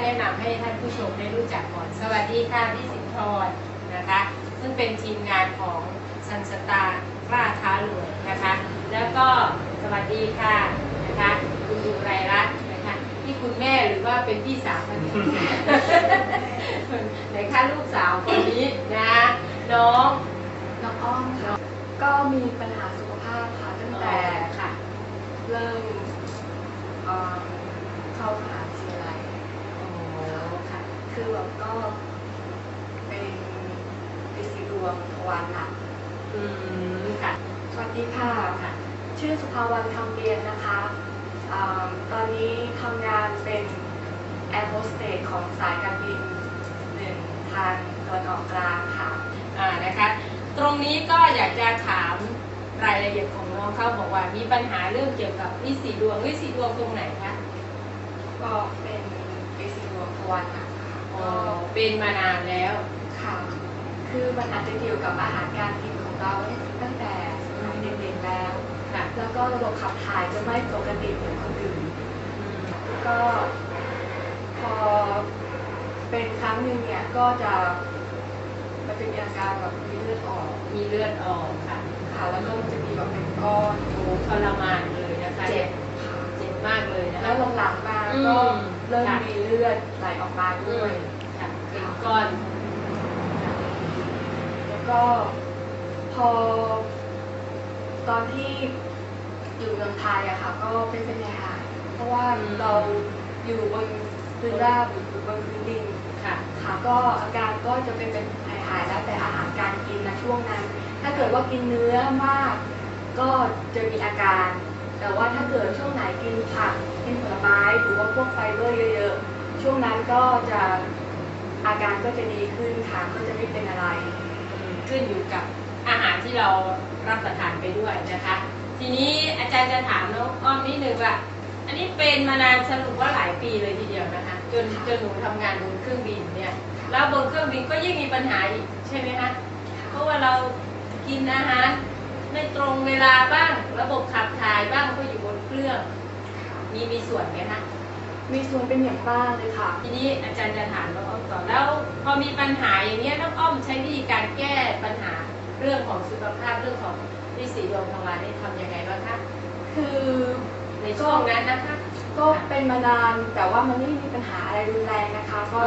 แนะนำให้ท่านผู้ชมได้รู้จักก่อนสวัสดีค่ะพี่สินทรนะคะซึ่งเป็นทีมงานของซันสตาร์กล้าท้ารวยนะคะแล้วก็สวัสดีค่ะนะคะคุณอุไรรัตน์นะคะที่คุณแม่หรือว่าเป็นพี่สาวคนนี้ ไหนคะลูกสาวคนนี้นะน้องอ้อมค่ะก็มีปัญหาสุขภาพค่ะตั้งแต่ค่ะเริ่มเข้ามหาวิทยาลัยค่ะคือแบบก็เป็นฤทธิ์ดวงทวารหนักค่ะสวัสดีค่ะชื่อสุภาวรรณคำเรียนนะคะตอนนี้ทำงานเป็นแอร์โฮสเตสของสายการบินหนึ่งทางตะวันออกกลางค่ะนะคะตรงนี้ก็อยากจะถามรายละเอียดของน้องเขาบอกว่ามีปัญหาเรื่องเกี่ยวกับฤทธิ์สีดวงตรงไหนคะก็เป็นฤทธิ์ดวงทวารหนักค่ะเป็นมานานแล้วค่ะคือมันอาจจะเกี่ยวกับอาหารการกินของเราตั้งแต่สมัยเด็กๆแล้วแล้วก็ระบบขับถ่ายจะไม่ปกติเหมือนคนอื่นก็พอเป็นครั้งหนึ่งเนี่ยก็จะมันจะมีอาการแบบมีเลือดออกค่ะแล้วก็มันจะมีแบบเป็นก้อนทรมานเลยนะคะเจ็บมากเลยนะแล้วหลังๆมาก็เริ่มมีเลือดไหลออกมาด้วยเป็นก้อนแล้วก็พอตอนที่อยู่เมืองไทยอะค่ะก็เป็นหายเพราะว่าเราอยู่บนพื้นราบหรือบนพื้นดินค่ะก็อาการก็จะเป็นหายแล้วแต่อาหารการกินนะช่วงนั้นถ้าเกิดว่ากินเนื้อมากก็จะมีอาการแต่ว่าถ้าเกิดช่วงไหนกินผักกินผลไม้หรือว่าพวกไฟเบอร์เยอะๆช่วงนั้นก็จะอาการก็จะดีขึ้นค่ะก็จะไม่เป็นอะไรขึ้นอยู่กับอาหารที่เรารับประทานไปด้วยนะคะทีนี้อาจารย์จะถามน้องอ้อมนิดนึงว่าอันนี้เป็นมานานสรุปว่าหลายปีเลยทีเดียวนะคะจนหนูทำงานบนเครื่องบินเนี่ยแล้วบนเครื่องบินก็ยิ่งมีปัญหาอีกใช่ไหมคะเพราะว่าเรากินอาหารไม่ตรงเวลาบ้างระบบขับถ่ายบ้างก็อยู่บนเครื่องมีส่วนไหมคะมีส่วนเป็นอย่างมากเลยค่ะทีนี้อาจารย์จะถามน้องอ้อมต่อแล้วพอมีปัญหาอย่างนี้น้องอ้อมใช้วิธีการแก้ปัญหาเรื่องของสุขภาพเรื่องของฤทธิ์สีดวงทวารนี่ทำยังไงบ้างคะคือในช่วงนั้นนะคะก็เป็นมานานแต่ว่ามันไม่มีปัญหาอะไรรุนแรงนะคะก็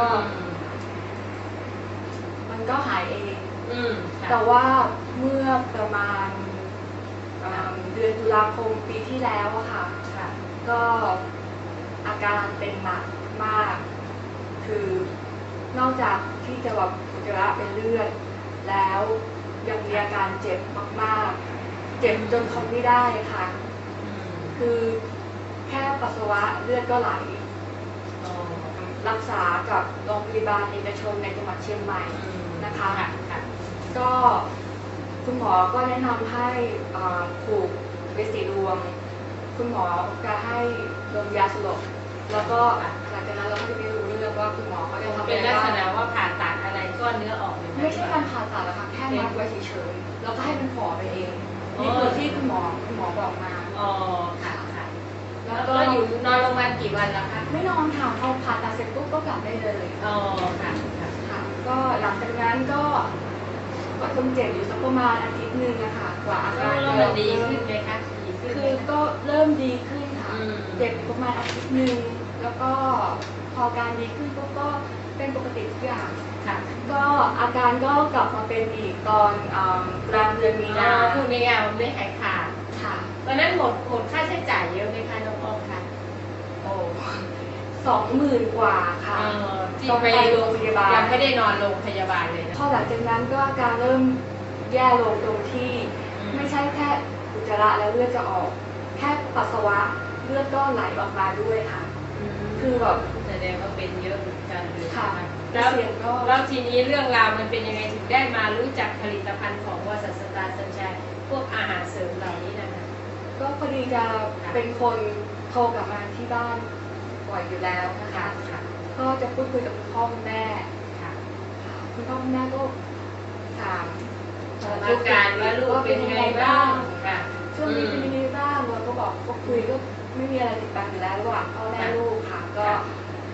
มันก็หายเองแต่ว่าเมื่อประมาณเดือนตุลาคมปีที่แล้วอะค่ะก็อาการเป็นหนักมากคือนอกจากที่จะแบบอุจจาระเป็นเลือดแล้วยังมีอาการเจ็บมากๆเจ็บจนทนไม่ได้ค่ะคือแค่ปัสสาวะเลือดก็ไหลรักษากับโรงพยาบาลเอกชนในจังหวัดเชียงใหม่นะคะก็คุณหมอก็แนะนำให้ผูกฤทธิ์สีดวงคุณหมอจะให้ดมยาสลบแล้วก็หลังจากนั้นเราก็จะไม่รู้เรื่องว่าคุณหมอเขาจะทำอะไรเป็นลักษณะว่าผ่าตัดอะไรก้อนเนื้อออกไม่ใช่การผ่าตัดหรอกค่ะแค่มัดไว้เฉยๆแล้วก็ให้มันฝ่อไปเองนี่คือที่คุณหมอบอกมาค่ะแล้วก็อยู่นอนโรงพยาบาลกี่วันแล้วคะไม่นอนค่ะพอผ่าตัดเสร็จปุ๊บก็กลับได้เลยค่ะก็หลังจากนั้นก็ทนเจ็บอยู่สักประมาณอาทิตย์นึงนะคะกว่าอาการจะดีขึ้นไหมคะคือก็เริ่มดีขึ้นค่ะเจ็บประมาณอาทิตย์นึงแล้วก็พอการดีขึ้นก็เป็นปกติทุกอย่างก็อาการก็กลับมาเป็นอีกตอนกลางเดือนมีนาคือไม่มันไม่หายขาดค่ะตอนนั้นหมดค่าใช้จ่ายเยอะไหมคะน้องอ้อมคะ 20,000 กว่าค่ะที่ไปโรงพยาบาลยังไม่ได้นอนโรงพยาบาลเลยนะพอหลังจากนั้นก็อาการเริ่มแย่ลงตรงที่ไม่ใช่แค่อุจจาระแล้วเลือดจะออกแค่ปัสสาวะเลือดก็ไหลออกมาด้วยค่ะคือแบบแสดงว่าเป็นเยอะเหมือนกันเลยค่ะแล้วทีนี้เรื่องราวมันเป็นยังไงถึงได้มารู้จักผลิตภัณฑ์ของว่าสตาร์สัญชัยพวกอาหารเสริมเหล่านี้นะคะก็พอดีจะเป็นคนโทรกลับมาที่บ้านบ่อยอยู่แล้วนะคะก็จะพูดคุยกับคุณพ่อคุณแม่คุณพ่อคุณแม่ก็ถามอาการว่าลูกเป็นยังไงบ้างช่วงนี้เป็นยังไงบ้างเราก็บอกก็คุยก็ไม่มีอะไรติดปัญหาอยู่แล้วระหว่างพ่อแม่ลูกค่ะก็จน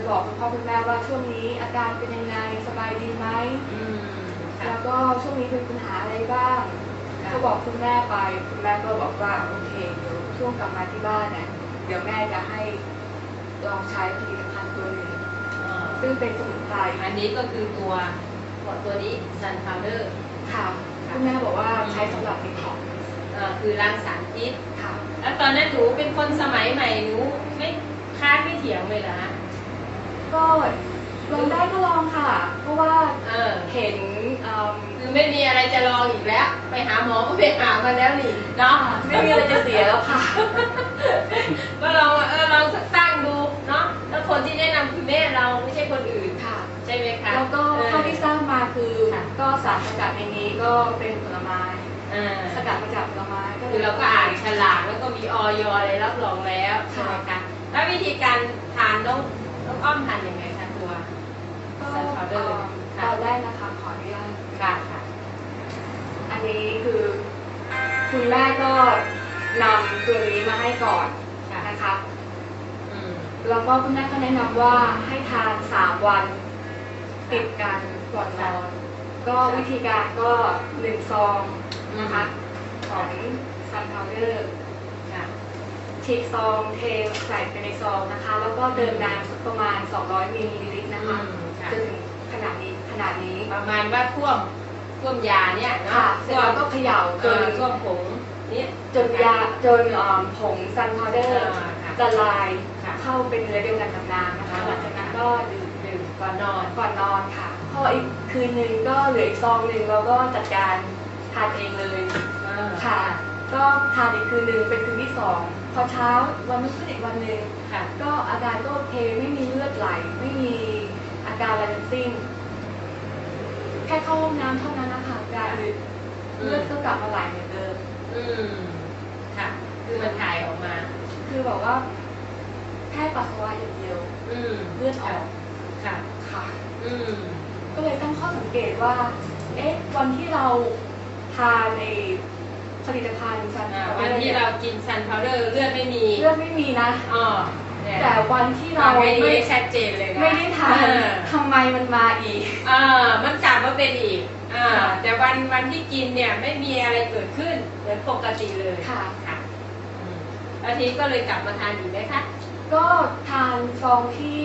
บอกคุณพ่อคุณแม่ว่าช่วงนี้อาการเป็นยังไงสบายดีไหมแล้วก็ช่วงนี้เป็นปัญหาอะไรบ้างก็บอกคุณแม่ไปคุณแม่ก็บอกว่าโอเคเดี๋ยวช่วงกลับมาที่บ้านเนี่ยเดี๋ยวแม่จะให้ลองใช้ผลิตภัณฑ์ตัวหนึ่งซึ่งเป็นสมุนไพรอันนี้ก็คือตัวนี้ซันพาวเดอร์ค่ะคุณแม่บอกว่าใช้สำหรับดีท็อกซ์คือล้างสารพิษค่ะแล้วตอนนั้นหนูเป็นคนสมัยใหม่หนูไม่ค้านไม่เถียงเลยเหรอก็ลองได้ก็ลองค่ะเพราะว่าเห็นคือไม่มีอะไรจะลองอีกแล้วไปหาหมอก็ไปหามาแล้วนี่เนาะไม่มีอะไรจะเสียแล้วค่ะก็ลองลองสักตั้งดูเนาะแล้วคนที่แนะนำคือแม่เราไม่ใช่คนอื่นค่ะใช่ไหมคะแล้วก็เท่าที่ทราบมาคือก็สารสกัดในนี้ก็เป็นผลไม้สกัดมาจากผลไม้ก็คือเราก็อ่านฉลากแล้วก็มีออยอะไรรับรองแล้วใช่ไหมคะแล้ววิธีการทานน้องอ้อมทานยังไงคะตัวซันพาวเดอร์ตอนแรกนะคะขออนุญาตค่ะอันนี้คือคุณแม่ก็นำตัวนี้มาให้ก่อนนะคะแล้วก็คุณแม่ก็แนะนำว่าให้ทาน3 วันติดกันก่อนนอนก็วิธีการก็1 ซองนะคะของซันพาวเดอร์ฉีกซองเทใส่ไปในซองนะคะแล้วก็เติมน้ำประมาณ200 มิลลิลิตรนะคะจนถึงขนาดนี้ประมาณว่าท่วมยาเนี่ยเนาะเสร็จแล้วก็เขย่าจนท่วมผงนี่จนผงซันพาวเดอร์ละลายเข้าเป็นเนื้อเดียวกันกับน้ำนะคะหลังจากนั้นก็ดื่มก่อนนอนค่ะพออีกคืนนึงก็เหลืออีกซองนึงเราก็จัดการทานเองเลยค่ะก็ทานอีกคืนนึงเป็นคืนที่2พอเช้าวันรุ่งขึ้นอีกวันนึงก็อาการก็โอเคไม่มีเลือดไหลไม่มีอาการอะไรทั้งสิ้นแค่เข้าห้องน้ำเท่านั้นนะคะการเลือดก็กลับมาไหลเหมือนเดิมค่ะคือมันถ่ายออกมาคือบอกว่าแค่ปัสสาวะอย่างเดียวเลือดออกค่ะก็เลยตั้งข้อสังเกตว่าวันที่เราทานในผลิตภัณฑ์ซันพาวเดอร์วันที่เรากินซันพาวเดอร์เลือดไม่มีนะแต่วันที่เราไม่ชัดเจนเลยนะไม่ได้ทานทำไมมันมาอีกมันกลับมาเป็นอีกแต่วันที่กินเนี่ยไม่มีอะไรเกิดขึ้นเหมือนปกติเลยค่ะแล้วทีก็เลยกลับมาทานอีกไหมคะก็ทานซองที่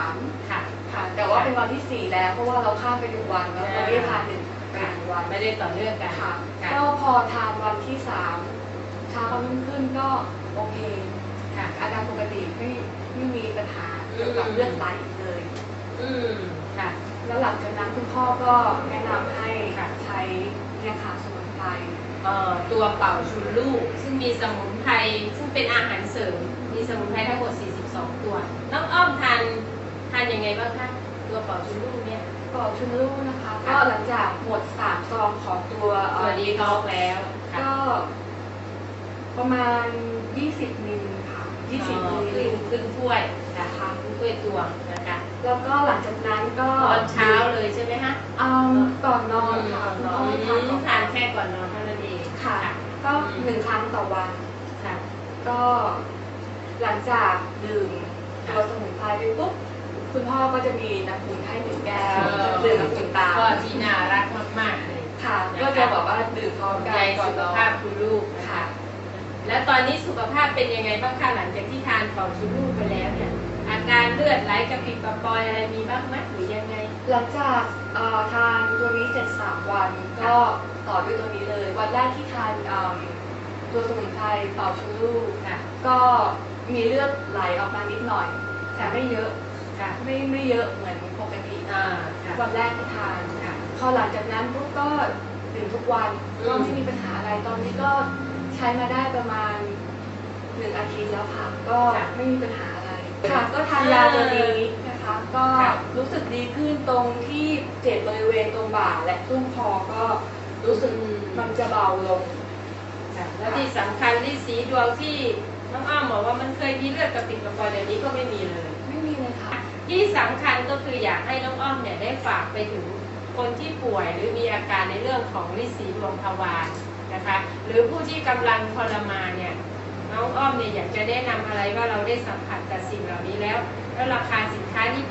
3ค่ะแต่ว่าเป็นวันที่4แล้วเพราะว่าเราข้ามไป1 วันแล้วเราไม่ได้ทาน1 วันไม่ได้ต่อเนื่องกันค่ะก็พอทานวันที่3เช้าวันรุ่งขึ้นก็โอเคค่ะอาการปกติไม่มีปัญหาเกี่ยวกับเลือดไหลเลยค่ะแล้วหลังจากนั้นคุณพ่อก็แนะนำให้ใช้เนี่ยค่ะสมุนไพรตัวเป่าชุนลูกซึ่งมีสมุนไพรซึ่งเป็นอาหารเสริมมีสมุนไพรทั้งหมด42 ตัวน้องอ้อมทานยังไงบ้างคะตัวเป่าชุนลูกเนี่ยเป่าชุนลูกนะคะก็หลังจากหมด3 ซองของตัวดีท็อกแล้วก็ประมาณ20 มิลค่ะ20 มิลลิลิตรครึ่งถ้วยนะคะครึ่งถ้วยตวงนะคะแล้วก็หลังจากนั้นก็ตอนเช้าเลยใช่ไหมคะก่อนนอนค่ะทานแค่ก่อนนอนเท่านั้นเองค่ะก็1 ครั้งต่อวันค่ะก็หลังจากดื่มตัวสมุนไพรไปปุ๊บคุณพ่อก็จะมีน้ำอุ่นให้1 แก้วดื่มน้ำอุ่นตามก็ที่น่ารักมากๆเลยค่ะก็จะบอกว่าดื่มพร้อมกันก่อนสุขภาพคุณลูกค่ะแล้วตอนนี้สุขภาพเป็นยังไงบ้างคะหลังจากที่ทานเป่าชุนลูกไปแล้วเนี่ยอาการเลือดไหลกระปิดกระปอยอะไรมีบ้างไหมหรือยังไงหลังจากทานตัวนี้เสร็จ3 วันก็ต่อด้วยตัวนี้เลยวันแรกที่ทานตัวสมุนไพรเป่าชุนลูกก็มีเลือดไหลออกมานิดหน่อยแต่ไม่เยอะไม่เยอะเหมือนปกติวันแรกที่ทานพอหลังจากนั้นปุ๊บก็ดื่มทุกวันก็ไม่มีปัญหาอะไรตอนนี้ก็ใช้มาได้ประมาณ1 อาทิตย์แล้วค่ะก็ไม่มีปัญหาอะไรค่ะก็ทานยาตัวนี้นะคะก็รู้สึกดีขึ้นตรงที่เจ็บบริเวณตรงบ่าและตุ้งคอก็รู้สึกมันจะเบาลงแล้วที่สำคัญที่สีดวงที่น้องอ้อมบอกว่ามันเคยมีเลือดกระปิดกระปอยเดี๋ยวนี้ก็ไม่มีเลยค่ะที่สำคัญก็คืออยากให้น้องอ้อมเนี่ยได้ฝากไปถึงคนที่ป่วยหรือมีอาการในเรื่องของฤทธิ์สีดวงทวารนะคะหรือผู้ที่กำลังทรมานเนี่ยน้องอ้อมเนี่ยอยากจะแนะนำอะไรว่าเราได้สัมผัสกับสิ่งเหล่านี้แล้วราคาสินค้าที่แพ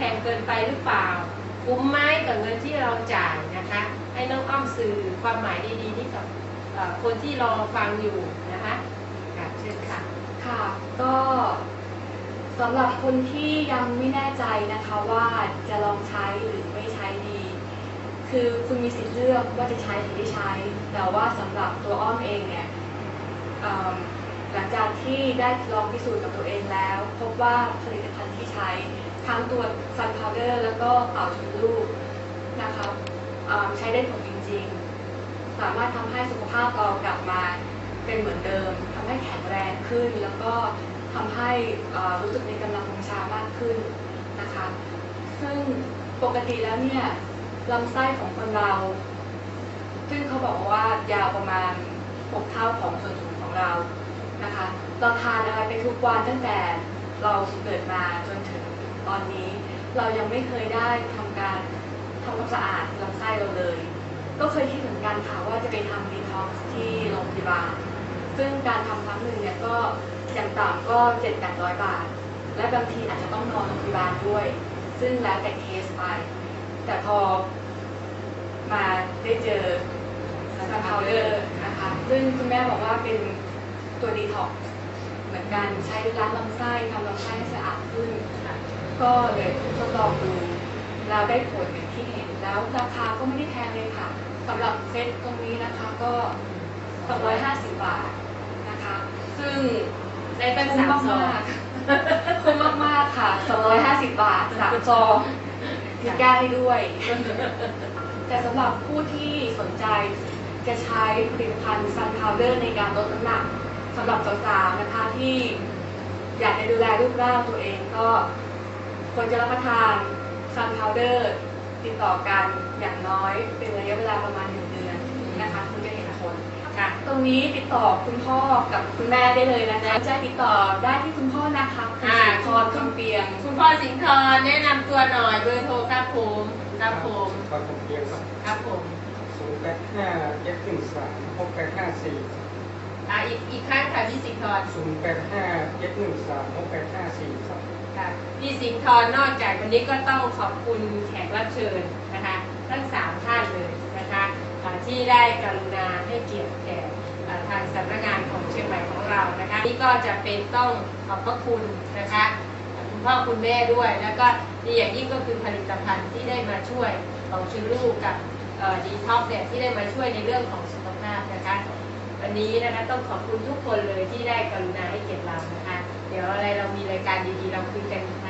ไปหรือเปล่าคุ้มไหมกับเงินที่เราจ่ายนะคะให้น้องอ้อมสื่อความหมายดีๆนี้กับคนที่รอฟังอยู่นะคะเชิญค่ะค่ะก็สำหรับคนที่ยังไม่แน่ใจนะคะว่าจะลองใช้หรือไม่ใช้ดี คือคุณมีสิทธิ์เลือกว่าจะใช้หรือไม่ใช้แต่ว่าสำหรับตัวอ้อมเองเนี่ยหลังจากที่ได้ลองพิสูจน์กับตัวเองแล้วพบว่าผลิตภัณฑ์ที่ใช้ทั้งตัว Sun Powder แล้วก็เป่าชุดลูกนะคะใช้ได้ผลจริงๆสามารถทำให้สุขภาพเรากลับมาเป็นเหมือนเดิมทำให้แข็งแรงขึ้นแล้วก็ทำให้รู้สึกมีกำลังวังชามากขึ้นนะคะซึ่งปกติแล้วเนี่ยลำไส้ของคนเราซึ่งเขาบอกว่ายาวประมาณ6 เท่าของส่วนสูงของเรานะคะเราทานอะไรไปทุกวันตั้งแต่เราเกิดมาจนถึงตอนนี้เรายังไม่เคยได้ทำความสะอาดลำไส้เราเลยก็เคยคิดเหมือนกันค่ะว่าจะไปทำดีท็อกซ์ที่โรงพยาบาลซึ่งการทำครั้งหนึ่งเนี่ยก็อย่างต่ำก็700-800 บาทและบางทีอาจจะต้องนอนโรงพยาบาลด้วยซึ่งแล้วแต่เคสไปแต่พอมาได้เจอSun Powderนะคะซึ่งคุณแม่บอกว่าเป็นตัวดีท็อกซ์เหมือนกันใช้ล้างลำไส้ทำลำไส้ให้สะอาดขึ้นก็เลยทดลองดูแล้วได้ผลอย่างที่เห็นแล้วราคาก็ไม่ได้แพงเลยค่ะสำหรับเซตตรงนี้นะคะก็250 บาทนะคะซึ่งได้ตั้งคุ้มมากๆคุ้มมากๆค่ะ250 บาท3 ซองมีแก้ให้ด้วยแต่สำหรับผู้ที่สนใจจะใช้ผลิตภัณฑ์ Sun Powder ในการลดน้ำหนักสำหรับสาวๆนะคะที่อยากจะดูแลรูปร่างตัวเองก็ควรจะรับประทาน Sun Powder ติดต่อกันอย่างน้อยเป็นระยะเวลาประมาณ1 เดือนนะคะคุณจะเห็นผลตรงนี้ติดต่อคุณพ่อกับคุณแม่ได้เลยนะคะจะติดต่อได้ที่คุณพ่อนะคะคุณสิงห์ธรคำเปียงคุณพ่อสิงห์ธรแนะนำตัวหน่อยเบอร์โทรครับผมครับผมเพียงครับผม 085-713-6854 อีกครั้งค่ะพี่สิงห์ธร 085-713-6854ครับค่ะพี่สิงห์ธรนอกจากวันนี้ก็ต้องขอบคุณแขกรับเชิญนะคะทั้ง3 ท่านเลยนะคะที่ได้กรุณาให้เกียรติแก่ทางสำนักงานของเชียงใหม่ของเรานะคะนี่ก็จะเป็นต้องขอบพระคุณนะคะคุณพ่อคุณแม่ด้วยแล้วก็ดีอย่างยิ่งก็คือผลิตภัณฑ์ที่ได้มาช่วยของชื่อลูกกับดีท็อกเนี่ยที่ได้มาช่วยในเรื่องของสุขภาพนะคะวันนี้นะคะต้องขอบคุณทุกคนเลยที่ได้กรุณาให้เกียรติเรานะคะเดี๋ยวอะไรเรามีรายการดีๆเราคุยกันอีก